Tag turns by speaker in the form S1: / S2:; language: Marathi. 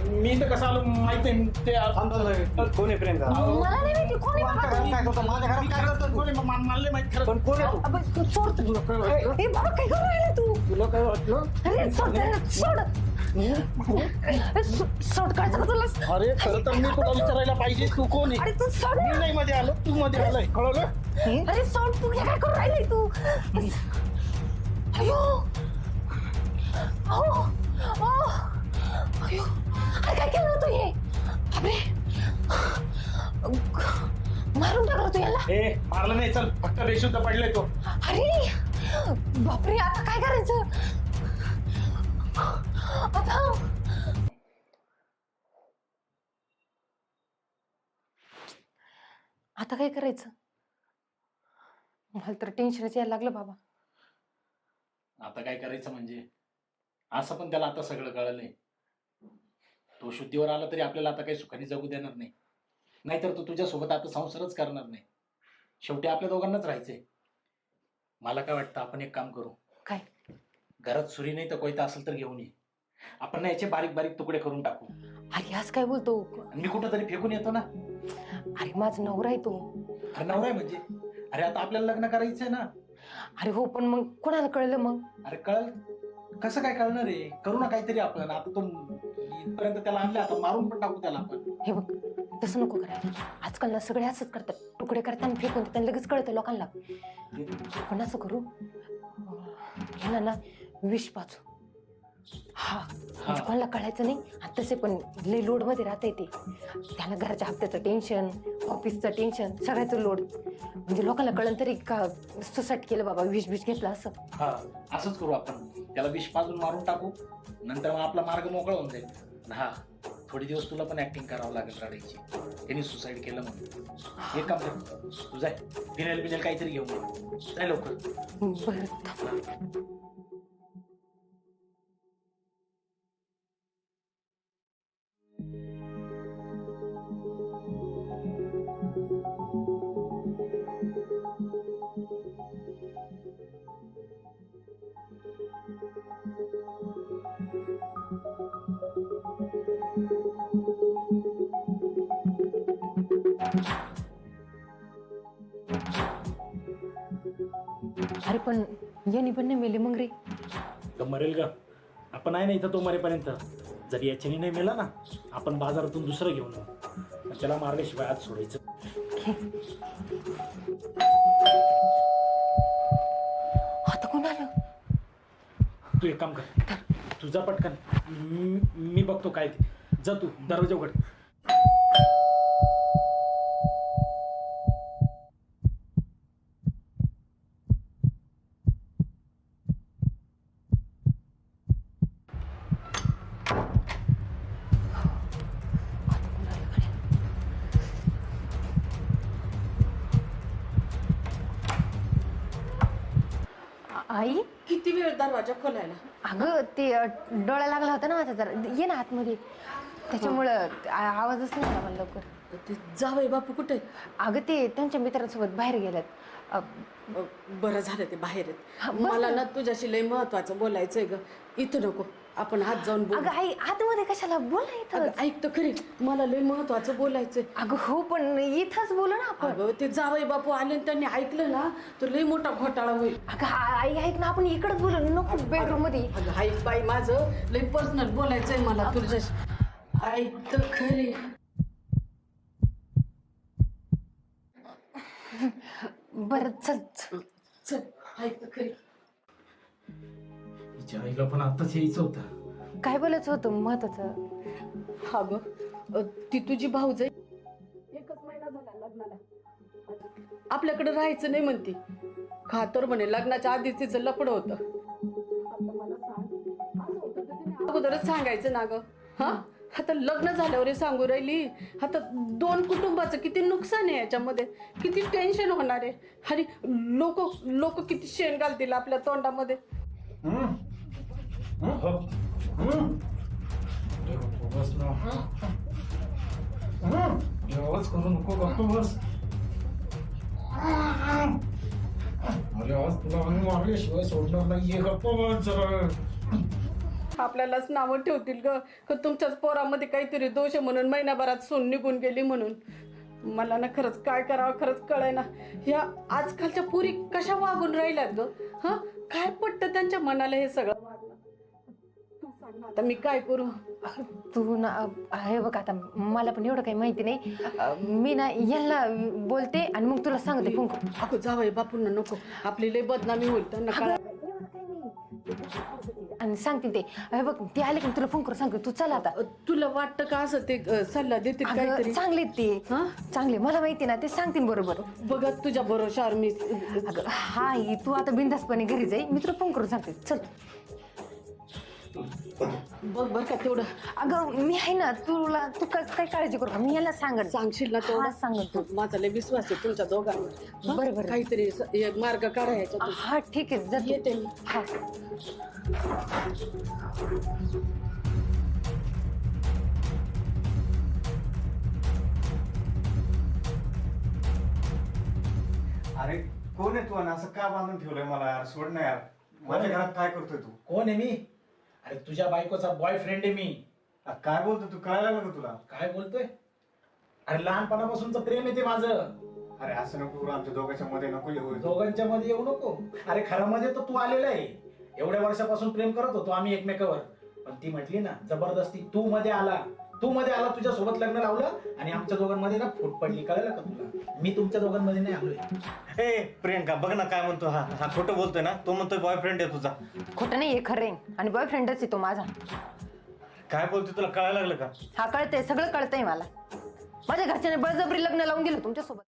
S1: मी तर कसं आलो माहित नाही ते
S2: कोण आहे प्रियंका?
S3: मला नाही माहिती कोण आहे बाबा तुम्ही.
S2: काय करतो माझ्या घरात? काय करतो तू?
S1: मला नाही माहित खरं.
S2: पण कोण आहे तू?
S3: अबे, तू सोड तू. ए बाबा काय करू राहिला तू?
S2: तुला काय वाटलं?
S3: अरे सोड त्याला, सोड. सोड काढायचं का तुला?
S1: अरे खरं तर मी तुला विचारायला पाहिजे तू कोण आहे.
S3: अरे तू सोड.
S1: मी नाही मध्ये आलो तू मध्ये आलाय कळलं.
S3: अरे सोड तू, हे काय करू राहिलाय तू? अयो अहो अयो, अरे काय केलं तू हे? अरे मारून टाकलं तू याला.
S1: ए मारलं नाही चल फक्त बेशुद्ध पडलाय तो.
S3: अरे बापरे, आता काय करायचं आता काय करायचं? मला तर टेन्शनच यायला लागलं बाबा.
S1: आता काय करायचं म्हणजे असं पण त्याला आता सगळं कळलंय. तो शुद्धीवर आला तरी आपल्याला आता काही सुखाने जगू देणार नाही. नाहीतर तो तुझ्यासोबत आता संसारच करणार नाही. शेवटी आपल्या दोघांनाच राहायचंय. मला काय वाटतं आपण एक काम करू.
S3: काय?
S1: घरात सुरी नाही तर कोयता असेल तर घेऊन ये. आपण ना याचे बारीक बारीक तुकडे करून टाकू.
S3: अरे आज काय बोलतो?
S1: आणि मी कुठं तरी फेकून येतो ना.
S3: अरे माझा नवरा आहे तो.
S1: अरे नवरा आहे म्हणजे? अरे आता आपल्याला लग्न करायचंय ना.
S3: अरे हो, पण मग कोणाला कळलं मग?
S1: अरे कळ कसं काय कळणार आहे? करू ना काहीतरी आपण. आता तो इथपर्यंत त्याला आणलं, आता मारून पण टाकू त्याला आपण.
S3: हे बघ, तसं नको करायला. आजकाल ना सगळे असंच करतात, तुकडे करताना फेकून देतात, लगेच कळतं लोकांना. पण असं करू, ह्याला ना विष पाचू. हा म्हणजे कोणाला कळायचं नाही. आणि तसे पण लई लोड मध्ये राहता येते त्याला. घराच्या हप्त्याचं टेन्शन, ऑफिसचं टेन्शन, सगळ्याचं लोड. म्हणजे लोकांना कळलं तरी का सुसाईड केलं बाबा, विष घेतलं असं.
S1: हा असंच करू आपण. त्याला विष पाजून मारून टाकू. नंतर मग आपला मार्ग मोकळा होऊन जाईल. हा थोडे दिवस तुला पण ऍक्टिंग करावं लागेल रडायची. त्यांनी सुसाईड केलं म्हणून. एक काम कर, तू जाय फिनेल बिनेल काहीतरी घेऊन ये. जाय लवकर.
S3: बरं. अरे पण यांनी पण नाही मेले मग रे.
S1: तर मरेल का? आपण आहे ना इथं तो मरेपर्यंत. जर याच्याने नाही मेला ना, आपण बाजारातून दुसरं घेऊन येऊ. त्याला मारल्याशिवाय आज सोडायचं.
S3: आता कोण आलं?
S1: तू एक काम कर, तुझा पटकन. मी बघतो काय ते. जा तू दरवाजा उघड.
S3: आई,
S4: किती वेळ दरवाजा खोलायला?
S3: अगं ते डोळा लागला होता ना माझा जरा. ये ना आतमध्ये. त्याच्यामुळं आवाजच नाही आला मला लवकर.
S4: ते जावई बापू कुठे?
S3: अगं ते त्यांच्या मित्रांसोबत बाहेर गेल्यात.
S4: बरं झालं ते बाहेर
S3: हा,
S4: आहेत.
S3: बस
S4: मला
S3: ना.
S4: ना तुझ्याशी लय महत्वाचं बोलायचंय ग. इथं नको, आपण आत जाऊन बोलू.
S3: अगं आई, आतमध्ये कशाला? बोला इथं.
S4: अगं, ऐक तर खरी, मला लय महत्वाचं बोलायचंय.
S3: अगं हो, पण इथंच बोलू ना आपण.
S4: अगं ते जावई बापू आले आणि त्यांनी ऐकलं ना तर लय मोठा घोटाळा होईल.
S3: अगं आई ऐक ना, आपण इकडंच बोलू नको बेडरूम मध्ये.
S4: अगं ऐक बाई, माझं लय पर्सनल बोलायचंय मला तुझ्याशी. ऐक तर खरी.
S3: बरं चल.
S4: चल ऐक तर खरी.
S1: तिच्या आईला पण आत्ताच यायचं होतं.
S3: काय बोलायचं होतं महत्वाचं?
S4: हा ग, ती तुझी भाऊज आहे. एकच महिना झाला लग्नाला. आपल्याकडे राहायचं नाही म्हणते. खातर म्हणे लग्नाच्या आधीच तिचं लपड होतं. आता मला सांग, असं होतं तर तिने अगोदरच सांगायचं ना ग. हा आता लग्न झाल्यावर सांगू राहिली. आता दोन कुटुंबाचं किती नुकसान आहे याच्यामध्ये, किती टेन्शन होणार आहे. अरे लोक किती शेण घालतील आपल्या तोंडामध्ये.
S1: बस ना. आवाज करू नको गप्प बस. अरे आज तुला मारल्याशिवाय सोडणार नाही. गप्प बस जरा.
S4: आपल्यालाच नावं ठेवतील ग का तुमच्याच पोरामध्ये काहीतरी दोष आहे म्हणून महिनाभरात सून निघून गेली म्हणून. मला ना खरंच काय करावं खरंच कळाय ना. ह्या आजकालच्या पुरी कशा वागून राहिल्यात ग. हा काय पटतं त्यांच्या मनाला हे सगळं वागणं. तू सांग ना आता मी काय करू.
S3: तू ना हे बघ आता मला पण एवढं काही माहिती नाही. मी ना यांना बोलते आणि मग तुला सांगते फोन करून.
S4: अगं जावई बापूंना नको आपली लय बदनामी होईल त्यांना
S3: अगं,
S4: कळा.
S3: एवढं काही नाही. आणि सांगते ते हे बघ ते आले की तुला फोन करून सांगते. तू चला आता.
S4: तुला वाटतं का असं ते सल्ला देतील
S3: अगं,
S4: काहीतरी.
S3: चांगले ते
S4: हा
S3: चांगले मला माहिती ना ते सांगतील बरोबर.
S4: बघा तुझ्या भरोशावर मी.
S3: अगं हा तू आता बिंदासपणे घरी जाई मी तुला फोन करून सांगते. चल.
S4: बघ बर का तेवढं
S3: अगं मी आहे ना तुला तू काय काळजी करू का मी याला सांगत
S4: सांगशील ना तेवढं.
S3: सांगत तू.
S4: माझा लय विश्वास आहे तुमच्या दोघांवर. हं?
S3: बरं, बरं.
S4: काहीतरी एक मार्ग काढायचा.
S3: हा ठीक आहे जा तू.
S4: येते मी.
S3: हा.
S2: अरे कोण आहे तू आणि असं का बांधून ठेवलंय मला यार? सोड ना यार. माझ्या घरात काय करतोय तू?
S1: कोण आहे मी? अरे तुझ्या बायकोचा बॉयफ्रेंड आहे मी.
S2: काय बोलतोय तू? काय लागलं का तुला?
S1: काय बोलतोय? अरे लहानपणापासूनच प्रेम आहे ते माझं.
S2: अरे असं नको करू, आमच्या दोघांच्या मध्ये नको येऊ.
S1: दोघांच्या मध्ये येऊ नको. अरे खरं मध्ये तर तू आलेला आहे. एवढ्या वर्षापासून प्रेम करत होतो आम्ही एकमेकावर. पण ती म्हटली ना जबरदस्ती तू मध्ये आला तुझ्या सोबत लग्न लावलं आणि आमच्या दोघांमध्ये ना फूट पडली. कळलं का तुला? मी तुमच्या दोघांमध्ये नाही आलोय.
S2: ए प्रियंका बघ ना काय म्हणतो हा. हा खोटं बोलतोय ना. तो म्हणतोय बॉयफ्रेंड आहे तुझा.
S3: खोटं नाही हे खरं आहे आणि बॉयफ्रेंडच आहे तो माझा.
S2: काय बोलतोय तुला कळायला लागलं का?
S3: हा कळतंय सगळं कळतंय मला. माझ्या घरच्याने बळजबरी लग्न लावून दिलं तुमच्यासोबत.